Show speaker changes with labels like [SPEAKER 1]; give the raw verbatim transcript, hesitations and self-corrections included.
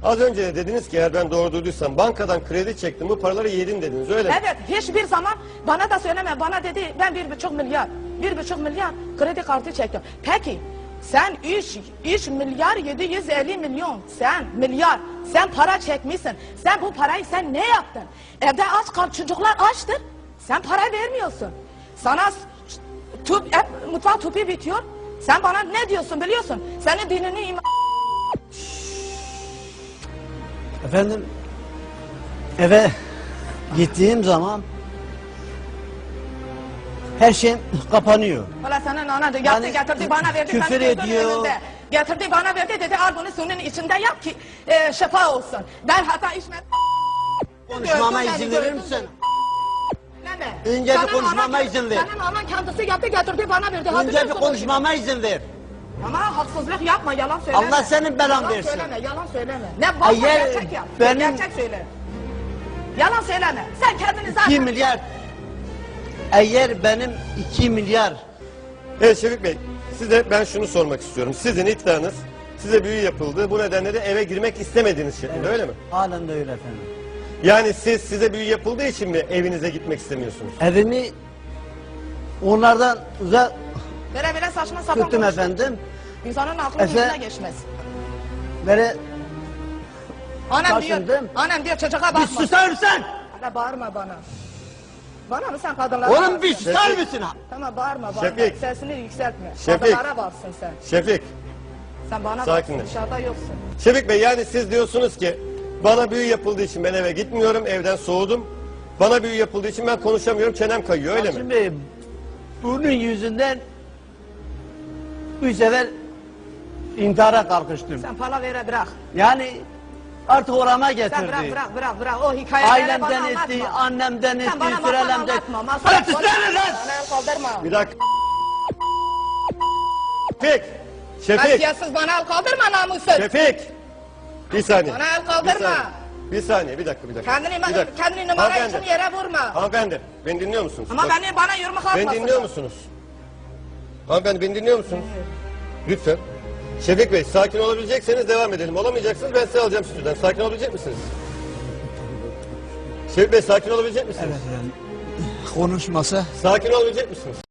[SPEAKER 1] Az önce de dediniz ki eğer ben doğru duyduysam bankadan kredi çektim bu paraları yedin dediniz öyle mi?
[SPEAKER 2] Evet, hiçbir zaman bana da söyleme. Bana dedi ben bir buçuk milyar, bir buçuk milyar kredi kartı çektim. Peki sen üç, üç milyar yedi yüz elli milyon sen milyar sen para çekmişsin. Sen bu parayı sen ne yaptın? Evde aç kal, çocuklar açtır. Sen para vermiyorsun. Sana tüp, hep, mutfak tüpü bitiyor. Sen bana ne diyorsun biliyorsun? Senin dinini iman...
[SPEAKER 3] Efendim, eve gittiğim zaman her şey kapanıyor.
[SPEAKER 2] Valla senin ana da yaptı
[SPEAKER 3] Yani
[SPEAKER 2] getirdi bana verdi.
[SPEAKER 3] küfür
[SPEAKER 2] senin gözünün
[SPEAKER 3] ediyor.
[SPEAKER 2] önünde. Getirdi bana verdi dedi al bunu suyun içinde yap ki e, şifa olsun. Ben hata içmedim.
[SPEAKER 3] Konuşmama
[SPEAKER 2] Gördün
[SPEAKER 3] izin
[SPEAKER 2] beni,
[SPEAKER 3] verir
[SPEAKER 2] gördün
[SPEAKER 3] misin?
[SPEAKER 2] beni.
[SPEAKER 3] Önce bir
[SPEAKER 2] Senin
[SPEAKER 3] konuşmama
[SPEAKER 2] anan-
[SPEAKER 3] izin ver.
[SPEAKER 2] Senin anan kendisi yaptı getirdi bana verdi.
[SPEAKER 3] Önce bir
[SPEAKER 2] Hatırlıyorsun
[SPEAKER 3] konuşmama izin ver.
[SPEAKER 2] bunu. Ama haksızlık yapma yalan söyleme.
[SPEAKER 3] Allah senin belan
[SPEAKER 2] yalan
[SPEAKER 3] versin.
[SPEAKER 2] Söyleme, yalan söyleme. Ne varsa
[SPEAKER 3] Eğer
[SPEAKER 2] gerçek yap.
[SPEAKER 3] benim-
[SPEAKER 2] Gerçek söyle. Yalan söyleme. Sen kendini zaten...
[SPEAKER 3] iki milyar. Eğer benim iki milyar.
[SPEAKER 1] Evet Şefik Bey size ben şunu sormak istiyorum. Sizin iddianız size büyü yapıldı bu nedenle de eve girmek istemediğiniz şeklinde öyle mi?
[SPEAKER 3] Halen de öyle efendim.
[SPEAKER 1] Yani siz size büyü yapıldığı için mi evinize gitmek istemiyorsunuz?
[SPEAKER 3] Evimi onlardan uzak
[SPEAKER 2] Böyle böyle saçma sapan
[SPEAKER 3] tuttum
[SPEAKER 2] konuşma.
[SPEAKER 3] efendim.
[SPEAKER 2] İnsanın aklı
[SPEAKER 3] Efe-
[SPEAKER 2] yüzüne geçmez.
[SPEAKER 3] Böyle
[SPEAKER 2] Annem diyor,
[SPEAKER 3] taşındım.
[SPEAKER 2] annem diyor çocuğa
[SPEAKER 3] bir
[SPEAKER 2] bakma.
[SPEAKER 3] susar mısın?
[SPEAKER 2] Hala bağırma bana. Bana mı sen kadınlara
[SPEAKER 3] Oğlum
[SPEAKER 2] bağırsın?
[SPEAKER 3] bir susar
[SPEAKER 1] Şefik.
[SPEAKER 3] mısın?
[SPEAKER 2] Tamam bağırma bağırma.
[SPEAKER 1] Şefik.
[SPEAKER 2] Sesini yükseltme.
[SPEAKER 1] Şefik.
[SPEAKER 2] Kadınlara bağırsın sen.
[SPEAKER 1] Şefik,
[SPEAKER 2] Sen bana
[SPEAKER 1] Sakinleş.
[SPEAKER 2] bağırsın dışarıda yoksun.
[SPEAKER 1] Şefik Bey yani siz diyorsunuz ki bana büyü yapıldığı için ben eve gitmiyorum, evden soğudum. Bana büyü yapıldığı için ben konuşamıyorum, çenem kayıyor öyle mi?
[SPEAKER 3] Şimdi bunun yüzünden bu sefer intihara kalkıştım.
[SPEAKER 2] Sen palavere bırak.
[SPEAKER 3] Yani artık orama
[SPEAKER 2] Sen
[SPEAKER 3] getirdi.
[SPEAKER 2] bırak bırak bırak bırak. O hikayeleri
[SPEAKER 3] Ailemden
[SPEAKER 2] bana
[SPEAKER 3] etti,
[SPEAKER 2] anlatma.
[SPEAKER 3] annemden
[SPEAKER 2] Sen
[SPEAKER 3] etti,
[SPEAKER 2] bana masal
[SPEAKER 3] sürelemden.
[SPEAKER 2] anlatma. Masal
[SPEAKER 3] Hadi
[SPEAKER 2] anlatma.
[SPEAKER 3] susana lan!
[SPEAKER 2] Bana el kaldırma.
[SPEAKER 1] Bir dakika. Şefik, Şefik,
[SPEAKER 2] Kasiyetsiz bana el kaldırma namussuz.
[SPEAKER 1] Şefik. Bir saniye.
[SPEAKER 2] Bana el kaldırma.
[SPEAKER 1] Bir saniye, bir saniye, bir dakika, bir dakika.
[SPEAKER 2] Kendini,
[SPEAKER 1] bir dakika.
[SPEAKER 2] kendini numara
[SPEAKER 1] Hanımefendi,
[SPEAKER 2] için yere vurma.
[SPEAKER 1] Hanımefendi, beni dinliyor musunuz?
[SPEAKER 2] Ama
[SPEAKER 1] Bak,
[SPEAKER 2] beni bana yumruk atmasın.
[SPEAKER 1] beni dinliyor musunuz? Hanımefendi beni dinliyor musunuz? Lütfen. Şefik Bey sakin olabilecekseniz devam edelim. Olamayacaksınız ben size alacağım stüdyodan. Sakin olabilecek misiniz? Şefik Bey sakin olabilecek misiniz?
[SPEAKER 3] Evet yani konuşmasa
[SPEAKER 1] Sakin olabilecek misiniz?